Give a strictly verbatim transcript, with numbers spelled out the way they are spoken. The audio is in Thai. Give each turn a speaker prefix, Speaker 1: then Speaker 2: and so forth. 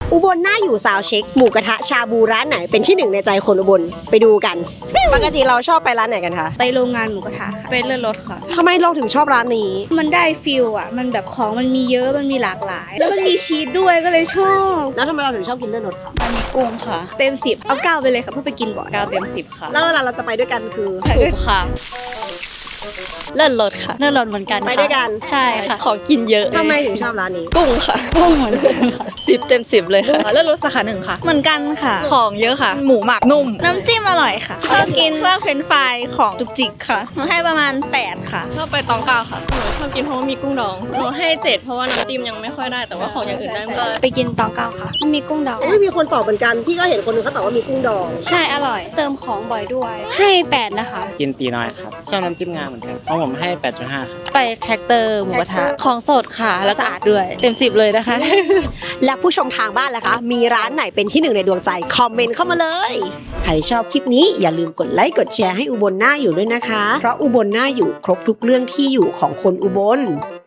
Speaker 1: อุบลน่าอยู่ซาวเช็คหมูกระทะชาบูร้านไหนเป็นที่หนึ่งในใจคนอุบลไปดูกันปกติเราชอบไปร้านไหนกันคะ
Speaker 2: ไปโรงงานหมูกระทะค่ะ
Speaker 3: ไปเลื่อนรถค่ะ
Speaker 1: ทำไมเราถึงชอบร้านนี้
Speaker 2: มันได้ฟิลอ่ะมันแบบของมันมีเยอะมันมีหลากหลาย แล้วมันมีชีสด้วยก็เลยชอบ
Speaker 1: แล้วทำไมเราถึงชอบกินเลือดรถคะ
Speaker 3: มันมีกุ้งค่ะ
Speaker 2: เต็มสิบเอาเก้าไปเลยค่ะเพื่อไปกินบ่อย
Speaker 3: เก้าเต็มสิบค่ะ
Speaker 1: แล้วเวลาเราจะไปด้วยกันคือ
Speaker 3: สุกค่ะ เลื่อนรถค่ะ
Speaker 4: เลื่อนรถเหมือนกัน
Speaker 1: ไปด้วยกัน
Speaker 4: ใช่ค่ะ
Speaker 3: ของกินเยอะ
Speaker 1: ทำไมถึงชอบร้านนี้
Speaker 3: กุ้งค่ะ
Speaker 4: พุ่งเหมือนกันค่ะ
Speaker 3: สิบเต็มสิบเลยค่ะ
Speaker 5: เลือดรสสาขาหนึ่งค่ะ
Speaker 2: เหมือนกันค่ะ
Speaker 5: ของเยอะค่ะ หมูหมักนุ่ม
Speaker 2: น้ำจิ้มอร่อยค่ะชอบกินพวกเฟรนช์ฟรายของจุกจิกค่ะหนูให้ประมาณแปดค่ะ
Speaker 3: ชอบไปตองเก้าค่ะ หนูชอบกินเพราะว่ามีกุ้งดอง หนูให้เจ็ดเพราะว่าน้ำจิ้มยังไม่ค่อยได้ แต่ว่าของอย่างอื่นได้หมด
Speaker 4: ไปกินตองเก้าค่ะ
Speaker 2: มีกุ้งดอง
Speaker 1: ไม่มีคนตอบเหมือนกันพี่ก็เห็นคนหนึงเขาตอบว่ามีกุ้งดอง
Speaker 2: ใช่อร่อย เติมของบ่อยด้วย
Speaker 4: ให้แปดนะคะ
Speaker 6: กินตีน้อยครับ ชอบน้ำจิ้มงาเหมือนกันเพราะผมให้ แปดจุดห้า ครับ
Speaker 5: ไปแท็กเตอร์หมูกระทะ ของสดค่ะ แล้วสะอาดด้วย เต็มสิบเลยนะคะ
Speaker 1: และผู้ชมทางบ้านล่ะคะ มีร้านไหนเป็นที่หนึ่งในดวงใจคอมเมนต์เข้ามาเลย ใครชอบคลิปนี้อย่าลืมกดไลค์กดแชร์ให้อุบลน่าอยู่ด้วยนะคะ เพราะอุบลน่าอยู่ครบทุกเรื่องที่อยู่ของคนอุบล